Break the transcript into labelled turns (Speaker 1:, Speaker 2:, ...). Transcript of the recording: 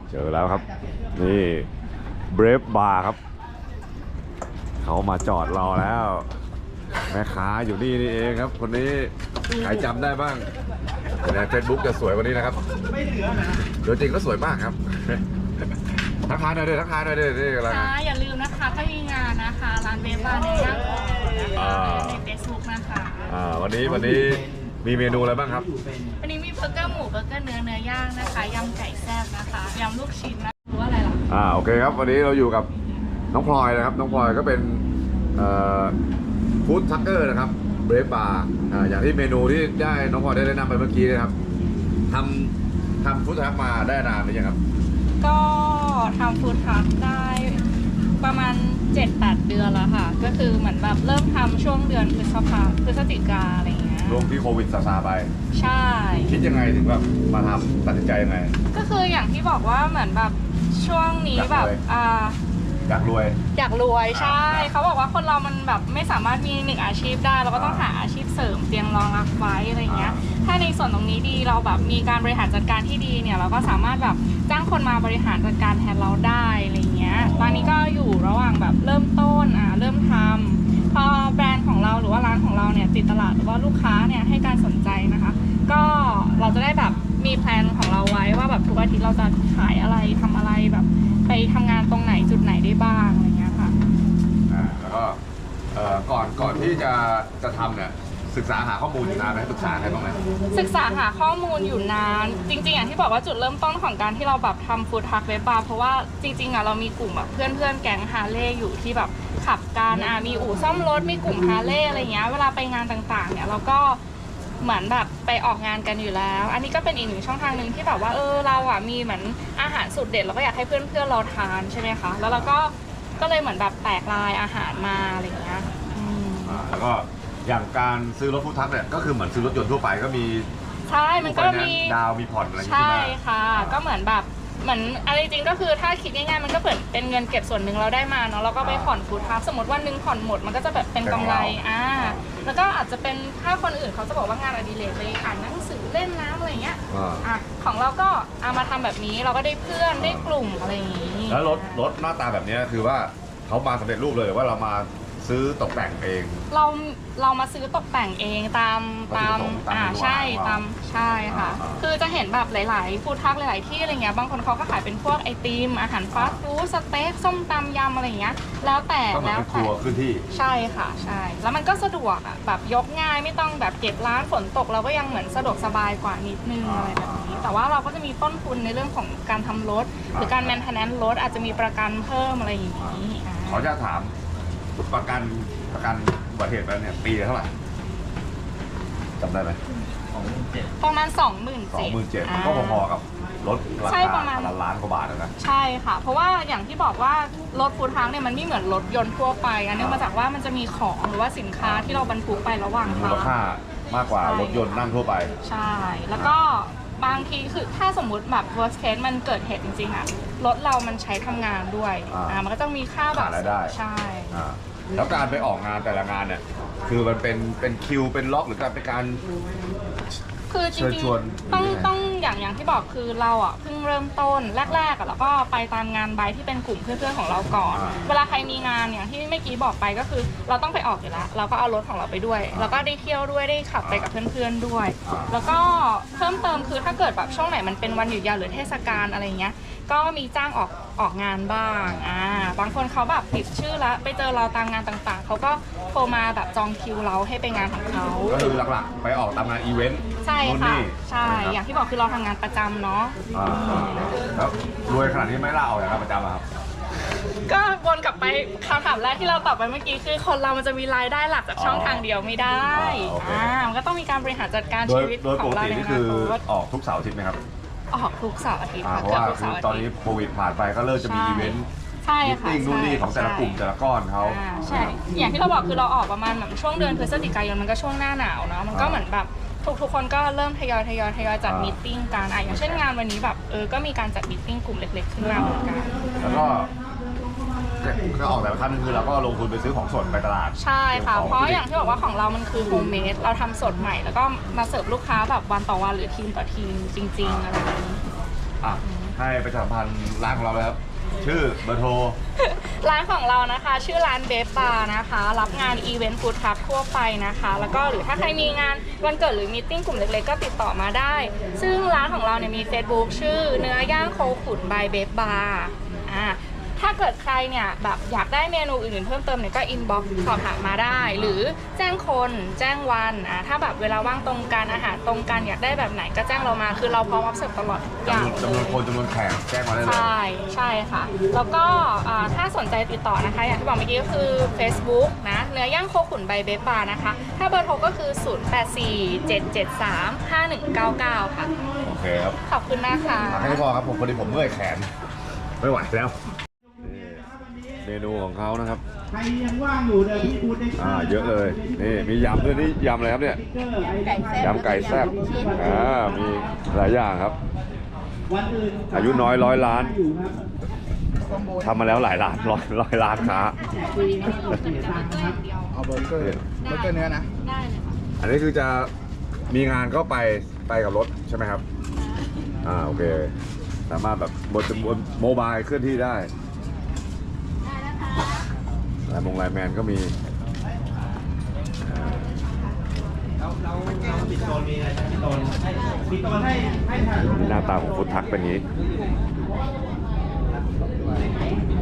Speaker 1: เจอแล้วครับนี่เบรฟบาร์ครับเขามาจอดรอแล้วแม่ค้าอยู่นี่นี่เองครับคนนี้ใครจำได้บ้างในเฟซบุ๊กจะสวยกว่านี้นะครับตัวจริงก็สวยมากครับทักทายหน่อยดิทักทายหน่อยดินี่อะไร
Speaker 2: ค่ะอย่าลืมนะคะถ้ามีงานนะคะร้านเบฟบาร์ในย่างของนะคะในเฟซบุ๊กนะคะ
Speaker 1: วันนี้มีเมนูอะไรบ้างครับ
Speaker 2: วันนี้มีเบอร์เกอร์หมูเบอร์เกอร์เนื้อย่างนะคะยำไก่แซ่บนะคะยำลูกชิ้นนะหรือว่าอะไรล่ะ
Speaker 1: โอเคครับวันนี้เราอยู่กับน้องพลอยนะครับน้องพลอยก็เป็นฟู้ดทักเกอร์นะครับเบรฟบาร์อย่างที่เมนูที่ได้น้องพลอยได้แนะนำไปเมื่อกี้นะครับทำฟู้ดทักมาได้นานหรือยังครับ
Speaker 2: ก็ทำฟู้ดทักได้ประมาณ 7-8 เดือนแล้วค่ะก็คือเหมือนแบบเริ่มทำช่วงเดือนพฤศจิกาอะไรอย่างเงี้ย
Speaker 1: ช่วงที่โควิดซาไป
Speaker 2: ใช่
Speaker 1: คิดยังไงถึงแบบมาทำตัดสินใจยังไง
Speaker 2: ก็คืออย่างที่บอกว่าเหมือนแบบช่วงนี้แบบ
Speaker 1: อยากรวย
Speaker 2: ใช่เขาบอกว่าคนเรามันแบบไม่สามารถมีหนึ่งอาชีพได้เราก็ต้องหาอาชีพเสริมเตียงรองรับไว้อะไรเงี้ยถ้าในส่วนตรงนี้ดีเราแบบมีการบริหารจัดการที่ดีเนี่ยเราก็สามารถแบบจ้างคนมาบริหารจัดการแทนเราได้อะไรเงี้ยตอนนี้ก็อยู่ระหว่างแบบเริ่มต้นเริ่มทำพอแบรนด์ของเราหรือว่าร้านของเราเนี่ยติดตลาดหรือว่าลูกค้าเนี่ยให้การสนใจนะคะก็เราจะได้แบบมีแพลนของเราไว้ว่าแบบทุกอาทิตย์เราจะขายอะไรทำอะไรแบบไปทำงานตรงไหนจุดไหนได้บ้างอะไรเงี้ยค่ะ
Speaker 1: แล้วก็ก่อนที่จะทำเนี่ยศึกษาหาข้อมูลอยู่นานไหมศึกษาใครบ้างไหม
Speaker 2: ศึกษาหาข้อมูลอยู่นานจริงๆอย่างที่บอกว่าจุดเริ่มต้นของการที่เราแบบทำฟู้ดทักเวบบาร์เพราะว่าจริงๆเรามีกลุ่มแบบเพื่อนแก๊งฮาร์เลย์อยู่ที่แบบขับกันมีอู่ซ่อมรถมีกลุ่มฮาร์เลย์อะไรเงี้ยเวลาไปงานต่างๆเนี่ยเราก็เหมือนแบบไปออกงานกันอยู่แล้วอันนี้ก็เป็นอีกหนึ่งช่องทางหนึ่งที่แบบว่าเรามีเหมือนอาหารสูตรเด็ดเราก็อยากให้เพื่อนๆเราทานใช่ไหมคะแล้วเราก็เลยเหมือนแบบแตกลายอาหารมาอะไรเงี้ย
Speaker 1: แล้วก็อย่างการซื้อรถฟู้ดทักเนี่ยก็คือเหมือนซื้อรถยนต์ทั่วไปก็มี
Speaker 2: ใช่มันก็มี
Speaker 1: ดาวมีผ่อนอะไร
Speaker 2: ใช่ค่ะก็เหมือนแบบเหมือนอะไรจริงก็คือถ้าคิดง่ายๆมันก็เหมือนเป็นเงินเก็บส่วนหนึ่งเราได้มาเนาะเราก็ไปผ่อนฟู้ดทักสมมติวันหนึ่งผ่อนหมดมันก็จะแบบเป็นกำไรแล้วก็อาจจะเป็นถ้าคนอื่นเขาจะบอกว่างานอดิเรกไปอ่านหนังสือเล่นน้ำอะไรเงี้ยของเราก็เอามาทำแบบนี้เราก็ได้เพื่อนได้กลุ่มอะไรอย่างนี้
Speaker 1: แล้วรถหน้าตาแบบนี้คือว่าเขามาสำเร็จรูปเลยหรือว่าเรามาซื้อตกแต่งเอง
Speaker 2: เรามาซื้อตกแต่งเองตามใช่ใช่ค่ะคือจะเห็นแบบหลายๆฟู้ดทักหลายๆที่อะไรเงี้ยบางคนเขาก็ขายเป็นพวกไอติมอาหารฟาสต์ฟู้ดสเต็กส้มตำยำอะไรเงี้ยแล้วแต่
Speaker 1: ครัวขึ้นที่
Speaker 2: ใช่ค่ะใช่แล้วมันก็สะดวกแบบยกง่ายไม่ต้องแบบเก็บร้านฝนตกเราก็ยังเหมือนสะดวกสบายกว่านิดนึงอะไรแบบนี้แต่ว่าเราก็จะมีต้นทุนในเรื่องของการทำรถหรือการแมนเทนแนนซ์รถอาจจะมีประกันเพิ่มอะไรอย่างนี้
Speaker 1: ขอจะถามประกันอุบัติเหตุแล้วเนี่ยปีละเท่าไหร่จำได้ไหม
Speaker 2: ประมาณ
Speaker 1: 27,000ก็พอๆกับรถราคาล้านกว่าบาทนะ
Speaker 2: ใช่ค่ะเพราะว่าอย่างที่บอกว่ารถฟู้ดทักเนี่ยมันไม่เหมือนรถยนต์ทั่วไปเนื่องมาจากว่ามันจะมีของหรือว่าสินค้าที่เราบรรทุกไประหว่างทาง
Speaker 1: มูลค่ามากกว่ารถยนต์นั่งทั่วไป
Speaker 2: ใช่แล้วก็บางทีคือถ้าสมมุติแบบ worst case มันเกิดเหตุจริงๆรถเรามันใช้ทำงานด้วยมันก็ต้องมีค่าแบบใช่
Speaker 1: แล้วการไปออกงานแต่ละงานเนี่ยคือมันเป็นคิวเป็นล็อกหรือการเป็นการ
Speaker 2: คือจริงๆต้องอย่างที่บอกคือเราเพิ่งเริ่มต้นแรกๆแล้วก็ไปตามงานไบค์ที่เป็นกลุ่มเพื่อนๆของเราก่อนเวลาใครมีงานอย่างที่เมื่อกี้บอกไปก็คือเราต้องไปออกอยู่แล้วเราก็เอารถของเราไปด้วยแล้วก็ได้เที่ยวด้วยได้ขับไปกับเพื่อนๆด้วยแล้วก็เพิ่มเติมคือถ้าเกิดแบบช่วงไหนมันเป็นวันหยุดยาวหรือเทศกาลอะไรเงี้ยก็มีจ้างออกงานบ้างบางคนเขาแบบติดชื่อแล้วไปเจอเราตามงานต่างๆเขาก็โทรมาแบบจองคิวเราให้ไปงานของเขา
Speaker 1: ก็คือหลักๆไปออกตามงานอีเวนต์
Speaker 2: ใช่ค่ะใช่อย่างที่บอกคือเราทำงานประจำเนาะ
Speaker 1: แล้วรวยขนาดนี้ไม่ล่าออกจากงานประจำครับ
Speaker 2: ก็วนกลับไปคำถามแรกที่เราตอบไปเมื่อกี้คือคนเรามันจะมีรายได้หลักจากช่องทางเดียวไม่ได้มันก็ต้องมีการบริหารจัดการชีวิตของเราในอนาคต
Speaker 1: ออกทุกเสาร์อาทิตย์ไหมครับ
Speaker 2: ออกทุกเสาร์อาทิตย์
Speaker 1: เพราะว่าตอนนี้โควิดผ่านไปก็เริ่มจะมีอีเวนต์มิทติ้งนู่นนี่ของแต่ละกลุ่มแต่ละก้อนเขา
Speaker 2: ใช่อย่างที่เราบอกคือเราออกประมาณแบบช่วงเดือนพฤศจิกายนมันก็ช่วงหน้าหนาวเนาะมันก็เหมือนแบบทุกคนก็เริ่มทยอยจัดมีตติ้งกันอย่างเช่นงานวันนี้แบบก็มีการจัดมีตติ้งกลุ่มเล็กๆขึ้นมาเหมือนกัน
Speaker 1: แล้วก็ออกแต่ละครั้งนึงคือเราก็ลงทุนไปซื้อของสดไปตลาด
Speaker 2: ใช่ค่ะเพราะอย่างที่บอกว่าของเรามันคือโฮมเมดเราทำสดใหม่แล้วก็มาเสิร์ฟลูกค้าแบบวันต่อวันหรือทีมต่อทีมจริงๆอะไรแบบนี้
Speaker 1: ถให้ประชาสัมพันธ์ร้านของเราเลยครับ ชื่อเบอร์โทร
Speaker 2: ร้านของเรานะคะชื่อร้านเบฟบาร์นะคะรับงานอีเวนต์ฟู้ดทรัคทั่วไปนะคะแล้วก็หรือถ้าใครมีงานวันเกิดหรือมีตติ้งกลุ่มเล็กๆก็ติดต่อมาได้ ซึ่งร้านของเราเนี่ยมี Facebook ชื่อเนื้อย่างโคขุนบายเบฟบาร์ถ้าเกิดใครเนี่ยแบบอยากได้เมนูอื่นๆเพิ่มเติมเนี่ยก็อินบ็อกซ์สอบถามมาได้ หรือแจ้งคนแจ้งวันถ้าแบบเวลาว่างตรงกันอาหารตรงกันอยากได้แบบไหนก็แจ้งเรามาคือเราพร้อมรับเสิร์ฟตลอดทุกอย่าง
Speaker 1: จำนวนคนจำนวนแขกแจ้งมาได้เลย
Speaker 2: ใช่ค่ะ แล้วก็ถ้าสนใจติดต่อนะคะ อย่างที่บอกเมื่อกี้ก็คือ Facebook นะเนื้อย่างโคขุนใบเบฟบาร์นะคะ ถ้าเบอร์โทรก็คือ 0847735199 ค่ะ
Speaker 1: โอเคครับ
Speaker 2: ขอบคุณนะคะ
Speaker 1: แค่นี้พอครับผมพอดีผมเมื่อยแขน ไม่ไหวแล้วเมนูของเขานะครับ
Speaker 3: ใครยังว่างอยู่เดี๋ยวพี่พูดได้
Speaker 1: เยอะเลยนี่มียำด้วยนี่ยำอะไรครับเนี่ยยำไก่แซ่บมีหลายอย่างครับ
Speaker 3: วันอื่น
Speaker 1: อายุน้อย100 ล้าน
Speaker 3: อยู่ครับ
Speaker 1: ทำมาแล้วหลายล้านร้อยล้านค้า
Speaker 4: เอาเบอร์เกอร์เนื้อนะ
Speaker 2: ได้เลยค่ะ
Speaker 1: อันนี้คือจะมีงานก็ไปกับรถใช่ไหมครับโอเคสามารถแบบบนโมบายเคลื่อนที่ได้ไลน์แมนก็มี
Speaker 3: ปิดโซนมีอะไรปิดโซนให้ถ่าย
Speaker 1: หน้าตาของฟุตทักเป็นอย่างนี้